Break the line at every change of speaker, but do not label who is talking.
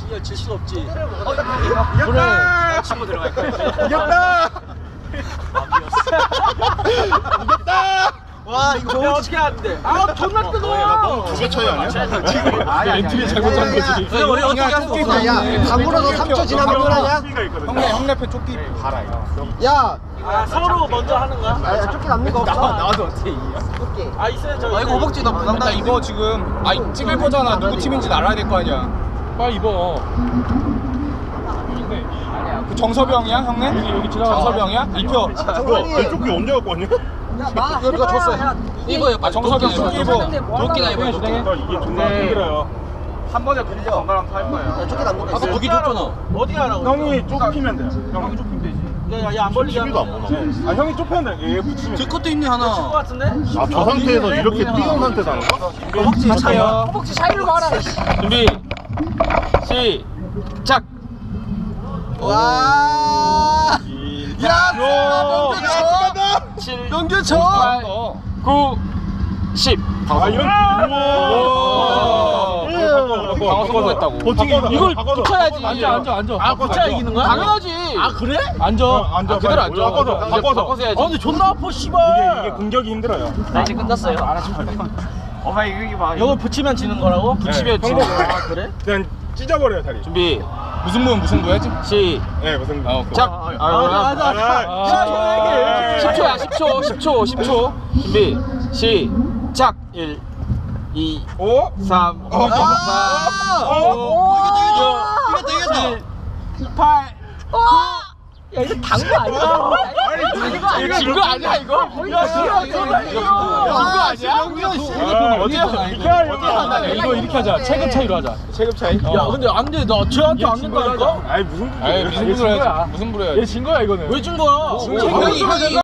야, 질 수가 없지.
이겼다.
치고 들어갈 거야.
이겼다. 이겼다.
와, 이거 어떻게 하는데? 아, 존나 뜨거워.
두개 차이 아니야?
엔트리 잘못한 거지.
우리 어떻게 할 수 없어.
야, 당구라도 3초 지나면 끝나냐?
형네 옆에 조끼 봐라 이거.
야,
아, 서로 먼저 하는 거야?
아, 쫓기 남는 거 없어.
나와도 어떻게 이겨?
쫓기.
아, 있어요, 저.
아 이거 허벅지 나
나
부담다.
이거 지금 찍을 거잖아. 누구 팀인지 알아야 될 거 아니야.
빨리 입어.
그 정섭이 형이야 형네?
여기 지나가.
정섭이 형이야? 입혀.
정선이.
조끼 언제 갖고 왔냐?
이거 줬어.
이거요.
아 정섭이 형 조끼 입어.
도끼나 입어. 도끼.
이게 존나 힘들어요.
한 번에 공부 건강하면 할 거예요.
쫓기 남는 거
아까
있어.
도끼 줬잖아.
어디 가라고?
형이 좁히면 돼요. 형이 좁히면 되지.
야, 안 벌리게 하는
TV도 안 보나? 아 형이 좁히면 돼. 얘 붙이면 돼.
제 것도 있네
것
하나.
같은데?
아 저 상태에서 이렇게 뛰어온 상태에서 하는 거야?
허벅지 차요.
허벅지 사이로 봐라.
준비. 시작.
와. 야, 넘겨쳐.
7,
넘겨쳐.
8, 9, 10.
아 이런.
방어 성공했다고.
버티기
이걸
바꿔줘.
붙여야지. 앉아.
아, 붙여야 이기는 거야?
당연하지.
아, 그래?
앉아.
앉아.
그대로 앉아.
바꿔줘. 바꿔줘.
바꿔서 해야지.
아, 근데 존나 아파, 씨발.
이게 공격이 힘들어요.
나 이제 끝났어요.
엄마 이거 봐.
이걸 붙이면 지는 거라고?
붙이면
네,
지는
형도
아, 그래?
그냥 찢어버려요 다리.
준비.
무슨 부 해야지?
시작.
네 무슨.
맞아. 야, 이거 얘기해.
10초야. 10초. 준비. 시작. 1, 2, 3, 4, 5, 6, 7, 8.
야, 이거 당구 아니야?
이거 진거 아니야 이거?
야, 진거 아니야?
어디야? 이거 이렇게 하자. 체급 차이로 하자. 체급 차이.
야, 근데 안 돼. 나 쟤한테 안 된다니까?
아니 무슨.
무슨 부로 해야지. 무슨 부로 해야지.
왜 진 거야?
형이